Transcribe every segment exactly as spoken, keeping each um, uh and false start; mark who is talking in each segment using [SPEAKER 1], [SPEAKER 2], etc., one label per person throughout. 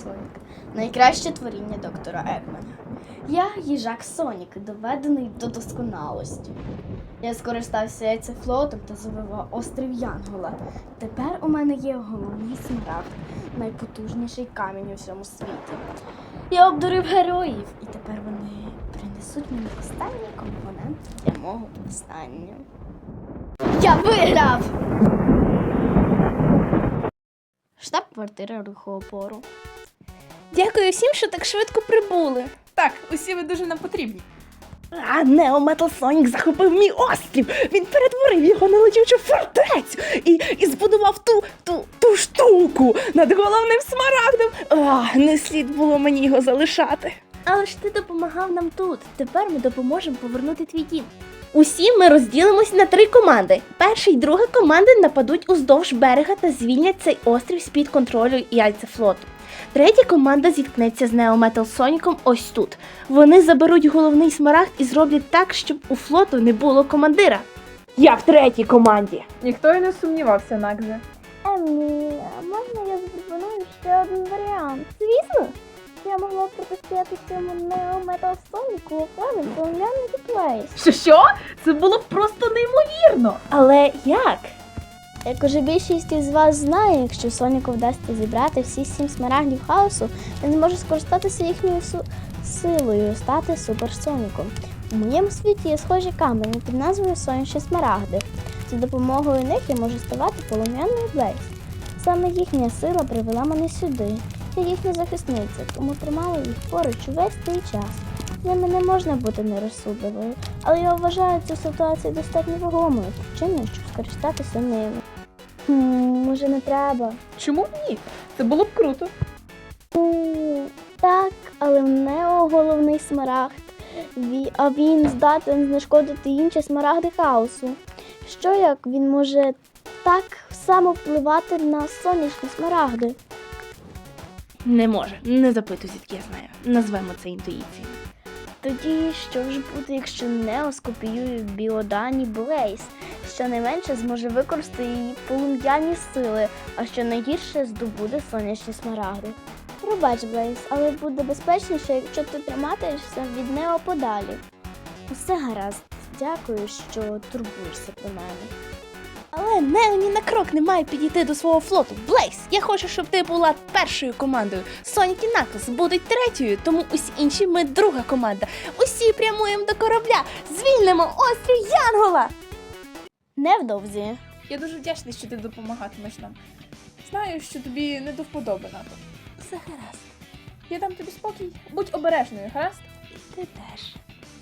[SPEAKER 1] Сонік. Найкраще творіння доктора Екмана. Я їжак Сонік, доведений до досконалості. Я скористався яйцефлотом та завивав острів Янгола. Тепер у мене є головний смарагд, найпотужніший камінь у всьому світі. Я обдурив героїв, і тепер вони принесуть мені останній компонент для мого повстання. Я виграв! Штаб-квартира рухоопору.
[SPEAKER 2] Дякую всім, що так швидко прибули.
[SPEAKER 3] Так, усі ви дуже нам потрібні.
[SPEAKER 2] А Нео Метал Сонік захопив мій острів. Він перетворив його на летючу фортецю і, і збудував ту, ту, ту штуку над головним смарагдом. А, не слід було мені його залишати.
[SPEAKER 4] Але ж ти допомагав нам тут. Тепер ми допоможемо повернути твій дім. Усі ми розділимось на три команди. Перша і друга команди нападуть уздовж берега та звільнять цей острів з-під контролю яйцефлоту. Третя команда зіткнеться з Нео Метал Соніком ось тут. Вони заберуть головний смарагд і зроблять так, щоб у флоту не було командира. Я в третій команді.
[SPEAKER 3] Ніхто й не сумнівався, Накзе.
[SPEAKER 5] Емі, а можна я запропоную ще один варіант? Звісно, я могла б протистояти цьому Нео Метал Соніку у плані полум'яний Плейс.
[SPEAKER 3] Що що? Це було б просто неймовірно.
[SPEAKER 4] Але як?
[SPEAKER 5] Як уже більшість із вас знає, якщо Соніку вдасться зібрати всі сім смарагдів хаосу, він зможе скористатися їхньою су- силою, стати суперсоніком. У моєму світі є схожі камені під назвою Сонячні смарагди. За допомогою них я можу ставати полум'яною Блейз. Саме їхня сила привела мене сюди. Я їхня захисниця, тому тримала їх поруч увесь цей час. З ними не можна бути нерозсудливою, але я вважаю цю ситуацію достатньо вагомою причиною, щоб скористатися ними. Хм, може не треба?
[SPEAKER 3] Чому б ні? Це було б круто.
[SPEAKER 5] Ну, так, але в Нео головний смарагд, Ві- а він здатен знешкодити інші смарагди хаосу. Що як він може так само впливати на сонячні смарагди?
[SPEAKER 4] Не може. Не запитуй, звідки я знаю. Назвемо це інтуїцією.
[SPEAKER 5] Тоді що ж буде, якщо Нео скопіює біодані Блейз? Щонайменше зможе використати її полум'яні сили, а що найгірше здобуде сонячні смарагди. Пробач, Блейз, але буде безпечніше, якщо ти триматишся від Нео подалі. Усе гаразд. Дякую, що турбуєшся про мене.
[SPEAKER 4] Але Нео ні на крок не має підійти до свого флоту. Блейз, я хочу, щоб ти була першою командою. Сонік і Наклз будуть третьою, тому усі інші ми друга команда. Усі прямуємо до корабля. Звільнимо острів Янгола!
[SPEAKER 5] Невдовзі.
[SPEAKER 3] Я дуже вдячний, що ти допомагатимеш нам. Знаю, що тобі не до вподоби, НАТО.
[SPEAKER 4] Все гаразд.
[SPEAKER 3] Я дам тобі спокій. Будь обережною, гаразд?
[SPEAKER 4] Ти теж.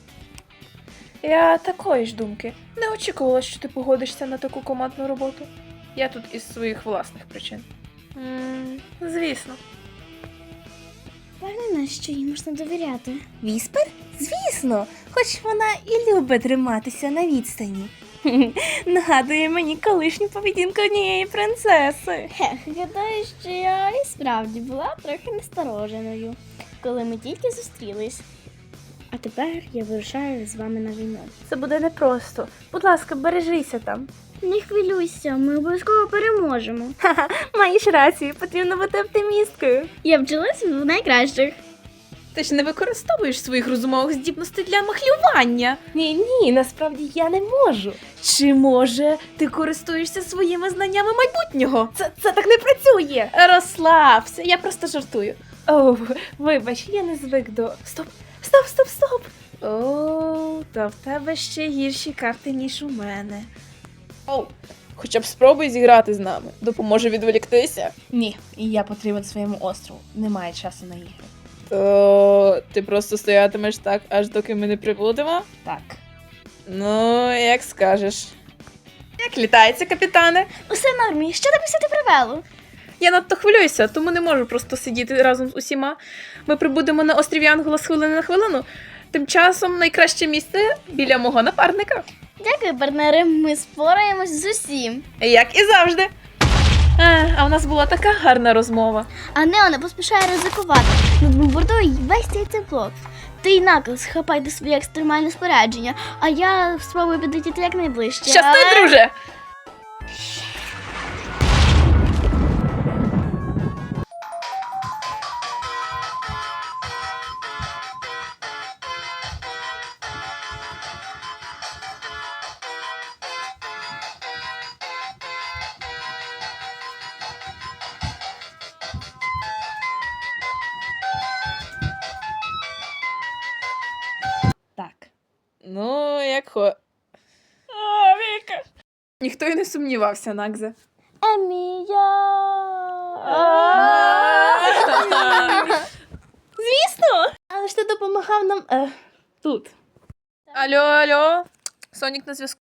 [SPEAKER 3] Я такої ж думки. Не очікувала, що ти погодишся на таку командну роботу. Я тут із своїх власних причин. М, звісно.
[SPEAKER 5] Впевнена, що їй можна довіряти.
[SPEAKER 4] Віспер? Звісно, хоч вона і любить триматися на відстані. Нагадує мені колишню поведінку однієї принцеси.
[SPEAKER 5] Хех, гадаю, що я і справді була трохи настороженою, коли ми тільки зустрілись. А тепер я вирушаю з вами на війну.
[SPEAKER 4] Це буде непросто. Будь ласка, бережися там.
[SPEAKER 5] Не хвилюйся, ми обов'язково переможемо.
[SPEAKER 4] Ха-ха, маєш рацію, потрібно бути оптимісткою.
[SPEAKER 5] Я вчилась в найкращих.
[SPEAKER 3] Ти ж не використовуєш своїх розумових здібностей для махлювання.
[SPEAKER 4] Ні, ні, насправді я не можу.
[SPEAKER 3] Чи може ти користуєшся своїми знаннями майбутнього?
[SPEAKER 4] Це, це так не працює.
[SPEAKER 3] Розслабся, я просто жартую.
[SPEAKER 4] Оу, вибач, я не звик до... Стоп, стоп, стоп, стоп.
[SPEAKER 3] О, та в тебе ще гірші карти, ніж у мене. Оу, хоча б спробуй зіграти з нами. Допоможе відволіктися.
[SPEAKER 4] Ні, я потрібен своєму острову. Немає часу на ігри.
[SPEAKER 3] То ти просто стоятимеш так, аж доки ми не прибудемо?
[SPEAKER 4] Так.
[SPEAKER 3] Ну, як скажеш. Як літається, капітане?
[SPEAKER 5] Усе в нормі, що тебе сюди привело?
[SPEAKER 3] Я надто хвилююся, тому не можу просто сидіти разом з усіма. Ми прибудемо на острів Янгола з хвилини на хвилину. Тим часом найкраще місце біля мого напарника.
[SPEAKER 5] Дякую, партнери, ми спораємось з усім.
[SPEAKER 3] Як і завжди. А, а в нас була така гарна розмова.
[SPEAKER 5] А Нео не поспішає ризикувати. Над бомбардує весь цей цеплот. Ти й Наклз хапайте своє екстремальне спорядження, а я спробую підлетіти якнайближче.
[SPEAKER 3] Щасти,
[SPEAKER 5] але...
[SPEAKER 3] друже! Ну, як хо. А, Віка. Ніхто й не сумнівався, Нагзе.
[SPEAKER 5] Емія!
[SPEAKER 4] Звісно! Але ж ти допомагав нам е, тут.
[SPEAKER 3] Алло, алло. Сонік на зв'язку.